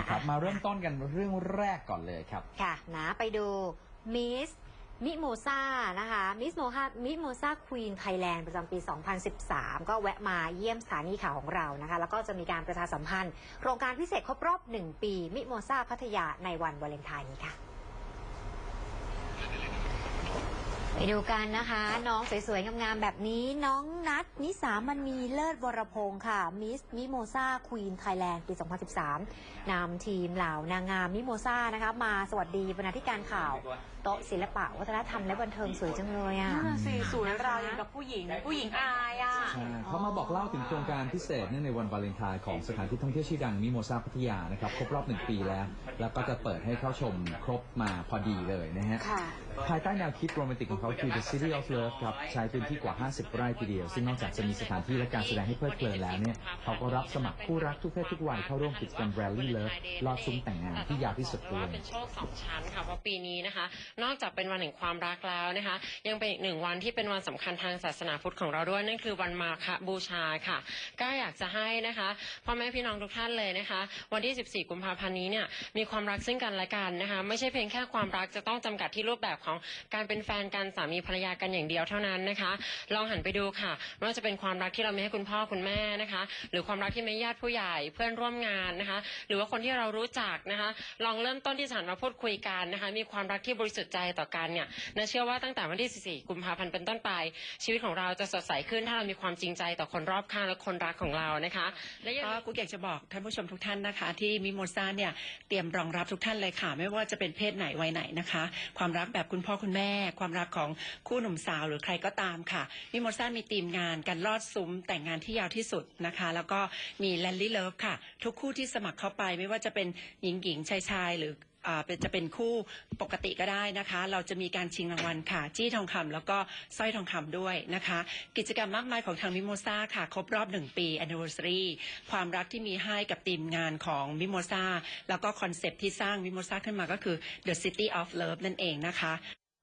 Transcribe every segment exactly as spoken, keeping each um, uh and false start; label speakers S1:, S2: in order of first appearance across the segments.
S1: นะครับมาเริ่มต้นกันเรื่องแรกก่อนเลยครับ
S2: ค่ะนะไปดูมิสมิโมซานะคะมิสโมฮามิโมซาควีนไทยแลนด์ประจำปี สองพันสิบสาม ก็แวะมาเยี่ยมสถานีข่าวของเรานะคะแล้วก็จะมีการประชาสัมพันธ์โครงการพิเศษครบรอบหนึ่งปีมิโมซาพัทยาในวันวาเลนไทน์นี้ค่ะไปดูกันนะคะน้องสวยๆงามๆแบบนี้น้องนัทนิสามณีเลิศวรพงศ์ค่ะมิสมิโมซาควีนไทยแลนด์ปี สองพันสิบสาม นำทีมเหล่านางงามมิโมซานะคะมาสวัสดีบรรณาธิการข่าวโต๊ะศิลปะวัฒนธรรมและบันเทิงสวยจังเลยอ่ะ
S3: สีสวยราวอย่างกับผู้หญิงผู้หญิงอายอ่ะ
S1: เขามาบอกเล่าถึงโครงการพิเศษเนื่องในวันวาเลนไทน์ของสถานที่ท่องเที่ยวชื่อดังมิโมซาพัทยานะครับครบรอบหนึ่งปีแล้วแล้วก็จะเปิดให้เข้าชมครบมาพอดีเลยนะฮะภายใต้แนวคิดโรแมนติกของเขาคือ The City of Love ครับใช้พื้นที่กว่าห้าสิบไร่ทีเดียวซึ่งนอกจากจะมีสถานที่และการแสดงให้เพลิดเพลินแล้วเนี่ยเขาก็รับสมัครคู่รักทุกเพศทุกวัยเข้าร่วมกิจกรรม Rally Love ลอดซุ้มแต่งงานที่ยาวที่สุดด้วย
S4: เป็นโชคสองชั้นค่ะเพราะปีนี้นะคะนอกจากเป็นวันแห่งความรักแล้วนะคะยังเป็นอีกหนึ่งวันที่เป็นวันสำคัญทางศาสนาพุทธของเราด้วยนั่นคือวันมาฆบูชาค่ะก็อยากจะให้นะคะพ่อแม่พี่น้องทุกท่านเลยนะคะวันที่สิบสี่กุมภาพันธ์นี้เนี่ยมีความรักซึ่งกันและกันนะคะไม่ใช่เพียงแค่ความรักจะต้องจำกัดที่รูปแบบของการเป็นแฟนกันสามีภรรยากันอย่างเดียวเท่านั้นนะคะลองหันไปดูค่ะไม่ว่าจะเป็นความรักที่เรามีให้คุณพ่อคุณแม่นะคะหรือความรักที่มีญาติผู้ใหญ่เพื่อนร่วมงานนะคะหรือว่าคนที่เรารู้จักนะคะลองเริ่มต้นที่จะหันมาพูดคุยกันนะคะมีความรักที่บริสุทธิ์ใจต่อกันเนี่ยนะเชื่อว่าตั้งแต่วันที่สิบสี่กุมภาพันธ์เป็นต้นไปชีวิตของเราจะสดใสขึ้นถ้าเรามีความจริงใจต่อคนรอบข้างและคนรักของเรานะคะและ
S3: ก็กูอยากจะบอกท่านผู้ชมทุกท่านนะคะที่มิโมซาเนี่ยเตรียมรองรับทุกท่านเลยค่ะไม่ว่าจะเป็นเพศไหนวัยไหนนะคะความรักแบบคุณพ่อคุณแม่ความรักของคู่หนุ่มสาวหรือใครก็ตามค่ะมิโมซามีทีมงานการลอดซุ้มแต่งงานที่ยาวที่สุดนะคะแล้วก็มีแลนลี่เลิฟค่ะทุกคู่ที่สมัครเข้าไปไม่ว่าจะเป็นหญิงหญิงชายชายหรืออ่าเป็นจะเป็นคู่ปกติก็ได้นะคะเราจะมีการชิงรางวัลค่ะจี้ทองคำแล้วก็สร้อยทองคำด้วยนะคะกิจกรรมมากมายของทางมิโมซาค่ะครบรอบหนึ่งปี anniversary ความรักที่มีให้กับทีมงานของมิโมซาแล้วก็คอนเซปต์ที่สร้างมิโมซาขึ้นมาก็คือ The City of Love นั่นเองนะคะ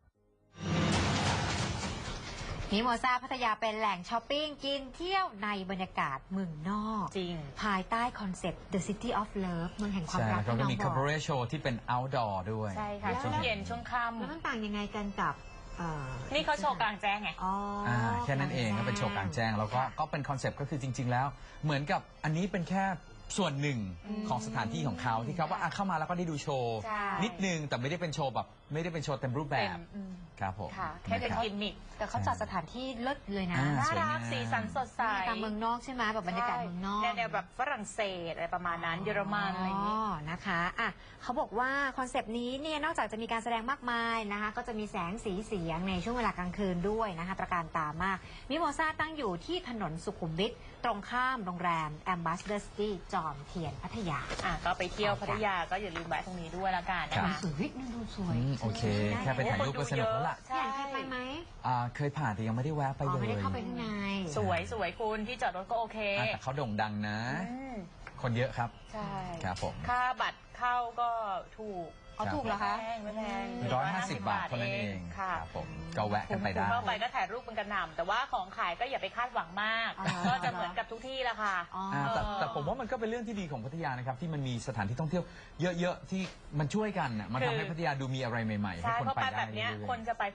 S2: มิโมซาพัทยาเป็นแหล่งช้อปปิ้งกินเที่ยวในบรรยากาศเมืองนอก
S3: จริง
S2: ภายใต้คอนเซ็ปต์ The City of Love เมืองแห่งความรัก
S1: ที่น้องบอกแล้วก็มี Cabaret Show ที่เป็น outdoor ด้วย
S3: ใช่ค่ะช่วงเย็นช่วงค่ำ
S2: แล้วมันต่างยังไงกันกับ
S3: นี่เขาโชว์กลางแจ้งไง
S2: อ๋อ
S1: แค่นั้นเองก็เป็นโชว์กลางแจ้งแล้วก็ก็เป็นคอนเซ็ปต์ก็คือจริงๆแล้วเหมือนกับอันนี้เป็นแค่ส่วนหนึ่งของสถานที่ของเขาที่เขาว่าเข้ามาแล้วก็ได้ดูโชว์นิดนึงแต่ไม่ได้เป็นโชว์แบบไม่ได้เป็นโชว์เต็มรูปแบบครับผม
S3: แค่เป็นกิมมิค
S2: แต่เขาจัดสถานที่เลิศเลยนะ
S3: น่ารักสีสันสดใส
S2: ตามเมืองนอกใช่ไหมแบบบรรยากาศเมืองนอก
S3: แนวแบบฝรั่งเศสอะไรประมาณนั้นเยอรมันอะไรอย่างนี้
S2: นะคะอ่ะเขาบอกว่าคอนเซปต์นี้เนี่ยนอกจากจะมีการแสดงมากมายนะคะก็จะมีแสงสีเสียงในช่วงเวลากลางคืนด้วยนะคะตระการตามากมิโมซาตั้งอยู่ที่ถนนสุขุมวิทตรงข้ามโรงแรม Ambassador City จอมเทียนพัทยา
S3: อ่ะก็ไปเที่ยวพัทยาก็อย่าลืมแวะตรงนี้ด้วยละกันนะคะ
S2: สวยนี่ดูสวย
S1: โอเคแค่ไปถ่ายรูปก็สนุกแล้วล่ะ
S2: อยากไปไหม
S1: อ่าเคยผ่านแต่ยังไม่ได้แวะไปเลย
S2: ไม่ได้เข้าไปข้างใน
S3: สวยสวยคุณที่จอดรถก็โอเค
S1: แต่เขาโด่งดังนะคนเยอะครับ
S3: ใช่
S1: ครับผม
S3: ค่าบัตรเข้าก็ถูก
S2: เอาถูกเหรอคะ
S3: ไม่แพง
S1: ร้อยห้าสิบบาทเท่านั้นเองครับผมก็แวะกันไปได้
S3: เข้าไปก็ถ่ายรูปเป็นกระหน่ำแต่ว่าของขายก็อย่าไปคาดหวังมากก็จะเหมือนกับทุกที่ละค่ะ
S1: แต่แต่ผมว่ามันก็เป็นเรื่องที่ดีของพัทยานะครับที่มันมีสถานที่ท่องเที่ยวเยอะๆที่มันช่วยกันมันทำให้พัทยาดูมีอะไรใหม่ๆให้คนไปได้
S3: แบบนี้คนจะไป